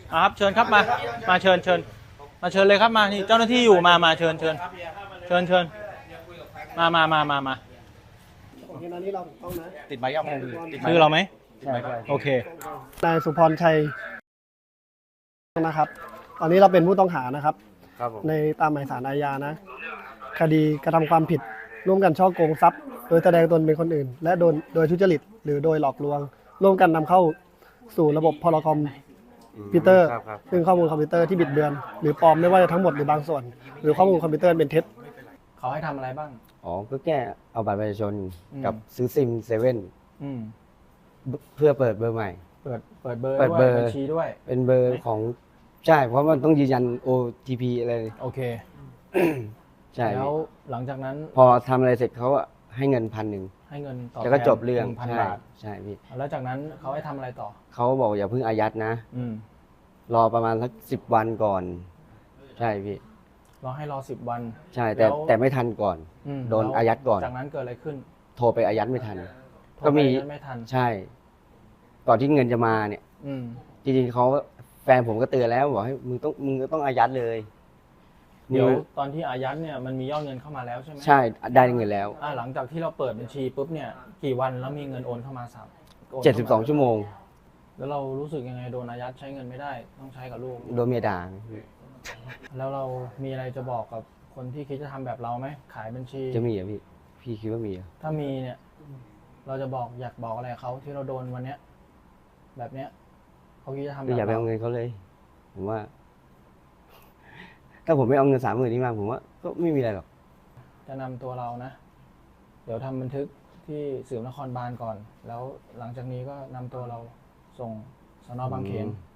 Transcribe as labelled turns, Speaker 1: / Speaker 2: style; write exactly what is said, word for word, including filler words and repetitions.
Speaker 1: ครับเชิญครับมามาเชิญเชิญมาเชิญเลยครับมานี่เจ้าหน้าที่อยู่มามาเชิญเชิญเชิญเชิญมามามามามา
Speaker 2: โอเคตอนนี้เราต้องนะ
Speaker 3: ติดใบย่ำติดใบ
Speaker 1: ชื่อเราไหม
Speaker 3: ติดใบ
Speaker 1: โอเคน
Speaker 2: ายสุพรชัยนะครับ ตอนนี้เราเป็นผู้ต้องหานะครับ
Speaker 3: ครับผม
Speaker 2: ในตามหมายสารอาญานะ คดีกระทำความผิดร่วมกันฉ้อโกงทรัพย์ โดยแสดงตนเป็นคนอื่น และโดยโดยทุจริตหรือโดยหลอกลวง ร่วมกันนำเข้าสู่ระบบพลคอมพิวเตอร์
Speaker 3: ครับครับ
Speaker 2: ซึ่งข้อมูลคอมพิวเตอร์ที่บิดเบือน หรือปลอมไม่ว่าจะทั้งหมดหรือบางส่วน หรือข้อมูลคอมพิวเตอร์เป็นเท็จ
Speaker 1: เขาให้ทำอะไรบ้าง
Speaker 4: อ๋อ ก็แค่เอาบัตรประชาชน
Speaker 1: อืม
Speaker 4: กับซื้อซิมเซเว่น
Speaker 1: อืม
Speaker 4: เพื่อเปิดเบอร์ใหม่
Speaker 1: เปิดเปิดเบอร์
Speaker 4: เปิด
Speaker 1: ด้วย
Speaker 4: เบอร์
Speaker 1: บัญชีด้วย
Speaker 4: เป็นเบอร์ของใช่ เพราะมันต้องยืนยัน โอ ที พี อะไร
Speaker 1: โอเค
Speaker 4: ใช่
Speaker 1: แล้วหลังจากนั้น
Speaker 4: พอทำอะไรเสร็จเขาอะให้เงินพันหนึ่ง
Speaker 1: ให้เงินต่อ
Speaker 4: แล้วก็จบเรื่อง
Speaker 1: พัน
Speaker 4: ใช่
Speaker 1: บาท
Speaker 4: ใช่พี่
Speaker 1: แล้วจากนั้นเขาให้ทำอะไรต่อ
Speaker 4: เขาบอกอย่าเพิ่งอายัดนะ
Speaker 1: อืม
Speaker 4: รอประมาณสักสิบวันก่อน ใช่พี่
Speaker 1: รอให้รอสิบวัน
Speaker 4: ใช่ แต่
Speaker 1: แล้ว
Speaker 4: แต่ไม่ทันก่อน
Speaker 1: อืม
Speaker 4: โดน
Speaker 1: แล้ว
Speaker 4: อายัดก่อน
Speaker 1: จากนั้นเกิดอะไรขึ้น
Speaker 4: โทรไปอายัดไม่ทัน
Speaker 1: โทร
Speaker 4: ก็มี
Speaker 1: ไปนั้นไม่ทัน
Speaker 4: ใช่ ก่อนที่เงินจะมาเนี่ย
Speaker 1: อืม
Speaker 4: จริงๆเขาแฟนผมก็เตือนแล้วบอกให้มึงต้องมึงก็ต้องอายัดเลย
Speaker 1: เดี๋ยวตอนที่อายัดเนี่ยมันมียอดเงินเข้ามาแล้วใช่ไหม
Speaker 4: ใช่ได้เงินแล้ว
Speaker 1: อ่าหลังจากที่เราเปิดบัญชีปุ๊บเนี่ยกี่วันแล้วมีเงินโอนเข้ามาสามโน
Speaker 4: เจ็ดสิบสอง
Speaker 1: เข้ามา
Speaker 4: ชั่วโมง
Speaker 1: แล้วเรารู้สึกยังไงโดนอายัดใช้เงินไม่ได้ต้องใช้กับลูก
Speaker 4: โดนเมียด่า
Speaker 1: แล้วเรามีอะไรจะบอกกับคนที่คิดจะทำแบบเราไหมขายบัญชี
Speaker 4: จะมีเหรอพี่ พี่คิดว่ามีเหรอ
Speaker 1: ถ้ามีเนี่ย เราจะบอกอยากบอกอะไรกับเขาที่เราโดนวันเนี้ย แบบเนี้ยเขาคิดจะทำแบ
Speaker 4: ก็
Speaker 1: บ
Speaker 4: อย่าไป
Speaker 1: เรา
Speaker 4: เอาเงินเขาเลย ผมว่า ถ้าผมไม่เอาเงินสามหมื่นนี้มาผมว่าก็ไม่มีอะไรหรอก
Speaker 1: จะนำตัวเรานะ เดี๋ยวทำบันทึกที่สืบนครบาลก่อน แล้วหลังจากนี้ก็นำตัวเราส่งสนบางเขน
Speaker 4: อืม